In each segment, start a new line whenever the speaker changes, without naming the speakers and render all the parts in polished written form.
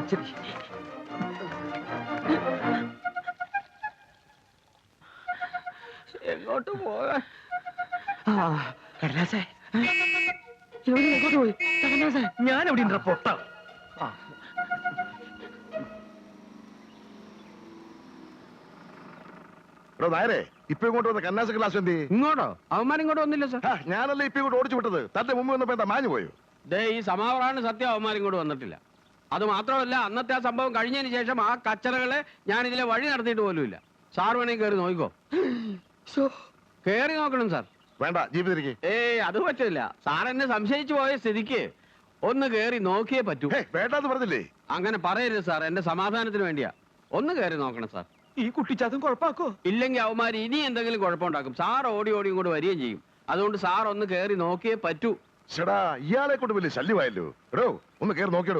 ശരി. എങ്ങോട്ട് പോകാൻ? കടലാസേ, എങ്ങോട്ട് പോയി? കടലാസേ, ഞാൻ എവിടെ ഉണ്ട്? പൊട്ട.
നായരെ, ഇപ്പൊ ഇങ്ങോട്ട് വന്ന കന്നാസ ക്ലാസ് എന്ത്?
ഇങ്ങോട്ടോ? അവന്മാർ ഇങ്ങോട്ട് വന്നില്ല സാർ.
ഞാനല്ലേ ഇപ്പൊ ഇങ്ങോട്ട് ഓടിച്ചു വിട്ടത്. തന്റെ മുമ്പ് വന്നപ്പോ എന്താ മാഞ്ഞു പോയോ?
ഈ സമാവറാണ് സത്യം, അവന്മാർ ഇങ്ങോട്ട് വന്നിട്ടില്ല. അത് മാത്രമല്ല, അന്നത്തെ ആ സംഭവം കഴിഞ്ഞതിന് ശേഷം ആ കച്ചറകളെ ഞാൻ ഇതിലെ വഴി നടത്തിയിട്ട് പോലുമില്ല. സാർ വേണമെങ്കിൽ കയറി നോക്കിക്കോ. കയറി നോക്കണം സാർ.
വേണ്ട, ജീവിതത്തിലേക്ക്.
അത് പറ്റില്ല സാർ. എന്നെ സംശയിച്ചു പോയ സ്ഥിതിക്ക് ഒന്ന് കയറി നോക്കിയേ പറ്റൂ.
വേണ്ടാന്ന് പറഞ്ഞില്ലേ?
അങ്ങനെ പറയരുത് സാർ, എന്റെ സമാധാനത്തിന് വേണ്ടിയാ. ഒന്ന് കയറി നോക്കണം സാർ.
ഈ കുട്ടിച്ചാത്തും കുഴപ്പാക്കോ?
ഇല്ലെങ്കിൽ അവന്മാർ ഇനി എന്തെങ്കിലും കുഴപ്പമുണ്ടാക്കും. സാർ ഓടി ഓടി ഇങ്ങോട്ട് വരികയും ചെയ്യും. അതുകൊണ്ട് സാർ ഒന്ന് കയറി നോക്കിയേ പറ്റൂ.
ചേടാ, ഇയാളെ കൊണ്ട് വലിയ ശല്യമായല്ലോ. എടോ, ഒന്ന് കയറി നോക്കിയടോ.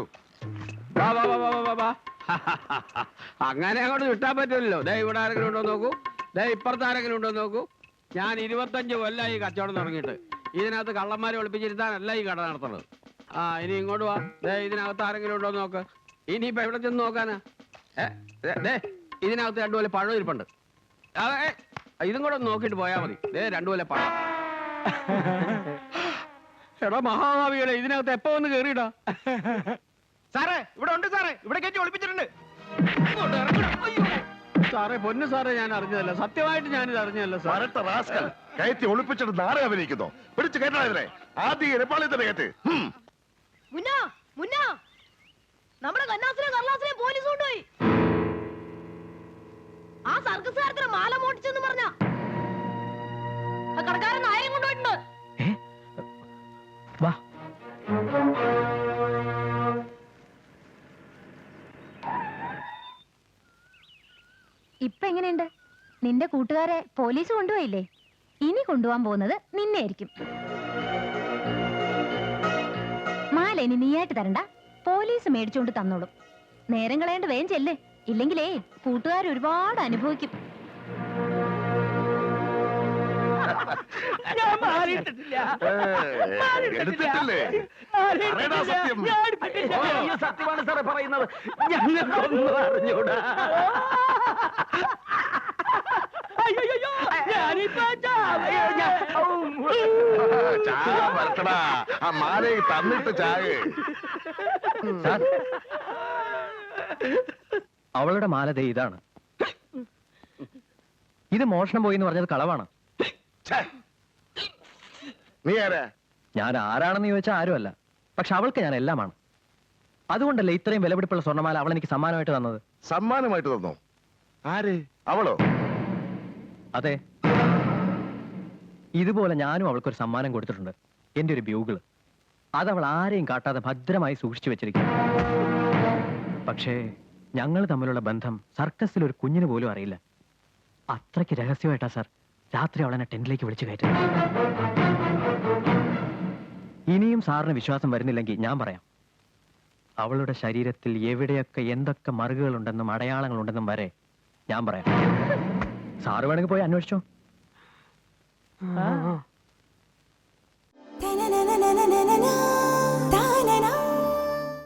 അങ്ങനെ അങ്ങോട്ട് വിട്ടാൻ പറ്റില്ലല്ലോ. ഇവിടെ ആരെങ്കിലും ഉണ്ടോ നോക്കൂ. ഇപ്പുറത്ത് ആരെങ്കിലും ഉണ്ടോ നോക്കൂ. ഞാൻ 25 കൊല്ലമായി കച്ചവടം തുടങ്ങിയിട്ട്. ഇതിനകത്ത് കള്ളന്മാരെ ഒളിപ്പിച്ചിരുത്താനല്ല ഈ കട നടത്തുന്നത്. ഇനി ഇങ്ങോട്ട് വാ. ഇതിനകത്ത് ആരെങ്കിലും ഉണ്ടോ നോക്ക്. ഇനിയിപ്പോ എവിടെ ചെന്ന് നോക്കാനാ? ഇതിനകത്ത് 2 കൊല്ലം പഴം ഇരിപ്പുണ്ട്. ഇതും കൂടെ ഒന്ന് നോക്കിയിട്ട് പോയാൽ മതി. 2 കൊല്ലം പഴം. എടാ മഹാഭാവികളെ, ഇതിനകത്ത് എപ്പോ ഒന്ന് കേറിയിടാ.
സാറേ, ഇവിടെ ഉണ്ട് സാറേ. ഇവിടെ കയറ്റി ഒളിപ്പിച്ചിട്ടുണ്ട്.
സാറേ, പൊന്നു സാറേ, ഞാൻ അറിഞ്ഞതല്ല. സത്യമായിട്ട് ഞാനിത് അറിഞ്ഞതല്ല സാർ.
കയറ്റി ഒളിപ്പിച്ചിട്ട് നാളെ അഭിനയിക്കുന്നു. പിടിച്ച് കയറ്റാ ഇതിനെ. ആദ്യം എരപ്പാളി തന്നെ കയറ്റ്.
നമ്മുടെ കന്നാസിനെ കർലാസിനെ പോലീസ് കൊണ്ടുപോയി. ആ സർക്കസുകാരത്തിന് മാല മോട്ടിച്ചെന്ന് പറഞ്ഞ കടക്കാരൻ നായയും കൊണ്ടുപോയിട്ടുണ്ട്.
ഇപ്പൊ എങ്ങനെയുണ്ട്? നിന്റെ കൂട്ടുകാരെ പോലീസ് കൊണ്ടുപോയില്ലേ? ഇനി കൊണ്ടുപോകാൻ പോകുന്നത് നിന്നെ ആയിരിക്കും. മാല ഇനി നീയായിട്ട് തരണ്ട, പോലീസ് മേടിച്ചുകൊണ്ട് തന്നോളും. നേരം കളയേണ്ട വേഗം ചെല്ല്. ഇല്ലെങ്കിലേ കൂട്ടുകാർ ഒരുപാട് അനുഭവിക്കും.
സത്യമാണ് സാറേ പറയുന്നത്. ഞങ്ങൾക്കൊന്നും അറിഞ്ഞൂടാ.
തന്നിട്ട് ചായ.
അവളുടെ മാല ദേ ഇതാണ്. ഇത് മോഷണം പോയി എന്ന് പറഞ്ഞത് കളവാണ്.
നീ ആരാ?
ഞാൻ ആരാണെന്ന് ചോദിച്ചാൽ ആരുമല്ല. പക്ഷെ അവൾക്ക് ഞാൻ എല്ലാമാണ്. അതുകൊണ്ടല്ലേ ഇത്രയും വിലപിടിപ്പുള്ള സ്വർണ്ണമാല അവൾ എനിക്ക് സമ്മാനമായിട്ട് തന്നത്.
സമ്മാനമായിട്ട് തന്നോ? ആര്? അവളോ?
അതെ, ഇതുപോലെ ഞാനും അവൾക്കൊരു സമ്മാനം കൊടുത്തിട്ടുണ്ട്. എന്റെ ഒരു ബ്യൂഗിള്. അതവൾ ആരെയും കാട്ടാതെ ഭദ്രമായി സൂക്ഷിച്ചു വെച്ചിരിക്കുന്നു. പക്ഷേ ഞങ്ങൾ തമ്മിലുള്ള ബന്ധം സർക്കസിൽ ഒരു കുഞ്ഞിന് പോലും അറിയില്ല. അത്രയ്ക്ക് രഹസ്യമായിട്ടാ സാർ രാത്രി അവളെന്നെ ടെന്റിലേക്ക് വിളിച്ചു കയറ്റും. ഇനിയും സാറിന് വിശ്വാസം വരുന്നില്ലെങ്കിൽ ഞാൻ പറയാം. അവളുടെ ശരീരത്തിൽ എവിടെയൊക്കെ എന്തൊക്കെ മറുകുകളുണ്ടെന്നും അടയാളങ്ങളുണ്ടെന്നും വരെ ഞാൻ പറയാം. സാറ് വേണമെങ്കിൽ പോയി അന്വേഷിച്ചോ.